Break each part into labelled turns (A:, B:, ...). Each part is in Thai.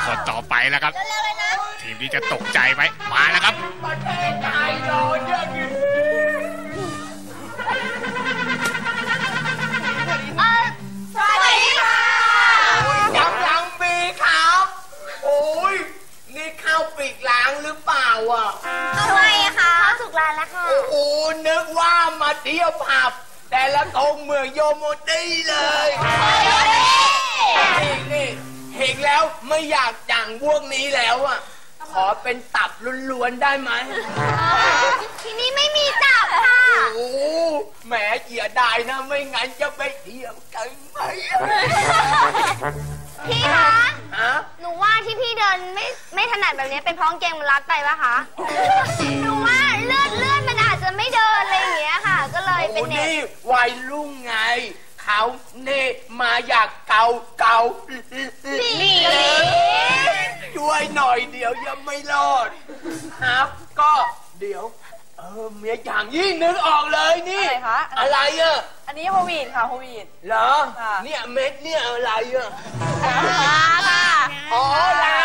A: คนต่อไปแล้วครับทีมนี้จะตกใจไหมมาแล้วครับ
B: ประเทศไทยโดนเยอะอยู่
C: สวัสดีค่ะ
B: ยังมีครับโอ้ยนี่ข้าวปีกล้างหรือเปล่าอ่ะ
C: ทำไมคะข้าวสุกร้านแล้วค่ะ
B: โอ้นึกว่ามาเที่ยวผับแต่ละทงเมืองโยโมตี้เลยนี่เห็นแล้วไม่อยากจังพวกนี้แล้วอ่ะขอเป็นตับล้วนๆได้ไหม
C: ที่นี่ไม่มีตับค่ะ
B: โอ้แหมเสียดายนะไม่งั้นจะไปเที่ยวกันไหม
C: พี่คะหนูว่าที่พี่เดินไม่ถนัดแบบนี้เป็นเพราะกางเกงมันรัดไปปะคะหนูว่าเลื่อนมันอาจจะไม่เดินอะไรอย่างเงี้ยค่ะก็เลยเป็นเน็ต
B: นี่วัยรุ่งไงเขาเน่มาอยากเกาช่วยหน่อยเดี๋ยวยังไม่รอดครับก็เดี๋ยวเมียอย่างยิ่งนึกออกเลยนี่อะไรอ่ะ
D: อันนี้โฮวีดค่ะโฮวีด
B: เหรอเนี่ยเม็ดเนี่ยอะไรอ่ะ
D: ลาค่ะ
B: อ๋อลา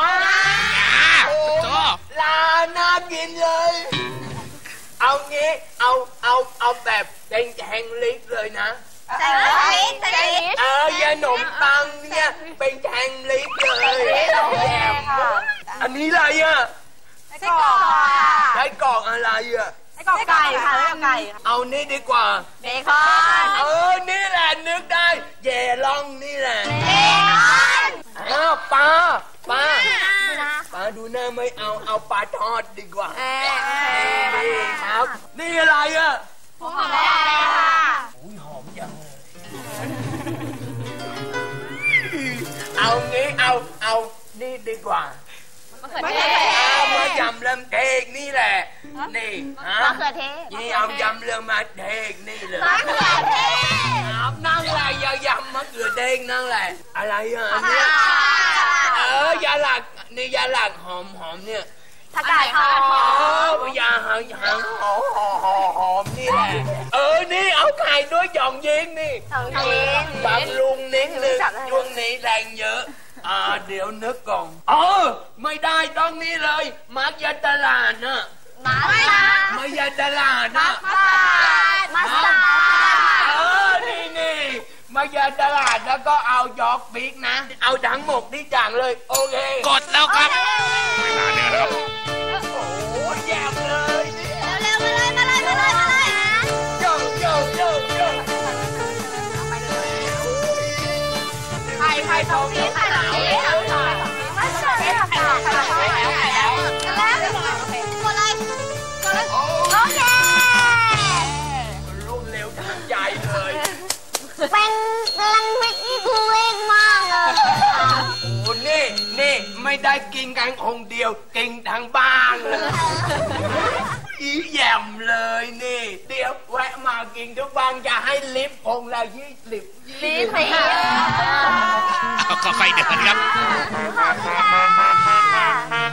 B: ลาน่ากินเลยเอางี้เอาแบบแดงๆลิกเลยนะ
C: แดงลิก
B: ยาหนมปังเนี่ยเป็นแดงลิกเลยอันนี้อะไรอ่ะ
D: ไส้กรอกค่ะ
B: ไส้กรอกอะไรอ่ะ
D: ไส้กรอกไก่ค่ะไส้กรอกไก่
B: เอานี่ดีกว่า
D: เบคอน
B: นี่แหละนึกได้เยล่องนี่แหละ
C: เบคอน
B: ปลาดูหน้าไม่เอาปลาทอดดีกว่านี่ครับนี่อะไรอ่ะ
D: หอมแดงค่ะ
B: หอมจังเอางี้เอานี่ดีกว่ามะเขือเทศมายำเริ่มเทกนี่แหละนี่
C: มะเขือเทศ
B: นี่เอายำเริ่มมาเทกนี่เลย
C: มะเขือเทศ
B: นั่งไรยำมะเขือเทศนั่งแหละอะไรอ่ะเนี่ยยาหลักนี่ยาหลักหอมเนี่ย
C: ผักกาดหอม
B: ยาหางหอมนี่แหละนี่เอาไข่ด้วยหยองยิงนี่บางลุงนิดนึงช่วงนี้แรงเยอะเดี๋ยวนึกก่อนไม่ได้ต้องนี่เลยมักยาตลาดนะมักยาตลาดนะ
C: มัสตาร์
B: ดนี่มักยาตลาดแล้วก็เอายอกบิ๊กนะเอาทั้งหมดนี่จังเลยโอเค
A: กดแล้วครับเวลาเดินแล้วครับ
B: โอ้ยแย่เลย
C: เร็วมาเลย
B: โยไข่ทองนี้ไข่แล้ว
C: มัสตาร์ดไข่แล้วกดเลยโอเค
B: รุ่นเร็วทันใจเลย
C: เป็นลังมิกนี่คือเล่นมากเลย
B: โอ้นี่ไม่ได้กินกันคงเดียวกินทั้งบ้านเลยอีแย่มเลยนี่เดี๋ยวแวะมากินทุกวันจะให้ลิฟต์คงละ20
A: ค่อยๆเดินครับ